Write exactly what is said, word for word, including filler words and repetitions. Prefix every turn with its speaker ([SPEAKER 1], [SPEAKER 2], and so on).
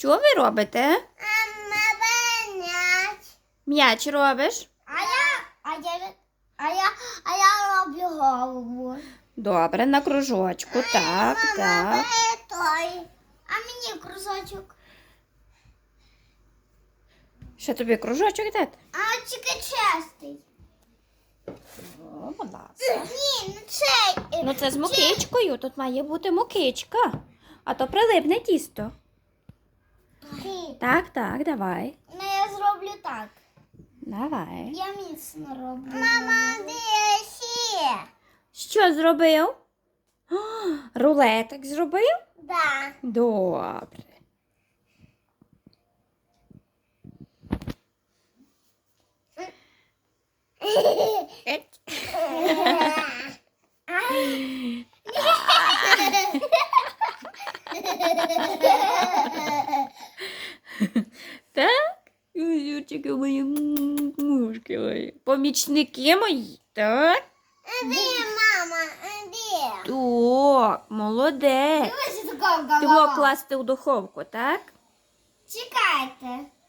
[SPEAKER 1] Що ви робите?
[SPEAKER 2] Мама, м'яч.
[SPEAKER 1] М'яч робиш?
[SPEAKER 2] А я, а я, а я, а я роблю голову.
[SPEAKER 1] Добре, на кружочку. Так,
[SPEAKER 2] Мама,
[SPEAKER 1] так.
[SPEAKER 2] бери той. А мені кружочок.
[SPEAKER 1] Ще тобі кружочок дати?
[SPEAKER 2] А тільки чистий.
[SPEAKER 1] О, будь ласка.
[SPEAKER 2] Ні, не цей.
[SPEAKER 1] Ну це з мукичкою. Тут має бути мукичка. А то прилипне тісто.
[SPEAKER 2] Ні.
[SPEAKER 1] Так, так, давай.
[SPEAKER 2] Ну, я зроблю так.
[SPEAKER 1] Давай.
[SPEAKER 2] Я міцно роблю. Мама, де ще?
[SPEAKER 1] Що зробив? О, рулетик зробив?
[SPEAKER 2] Да.
[SPEAKER 1] Добре. Так? Юрчики мої мушки мої. Помічники мої, так?
[SPEAKER 2] Де мама? Де?
[SPEAKER 1] Так, молодець.
[SPEAKER 2] Дивися, така
[SPEAKER 1] Ти мог класти у духовку, так?
[SPEAKER 2] Чекайте.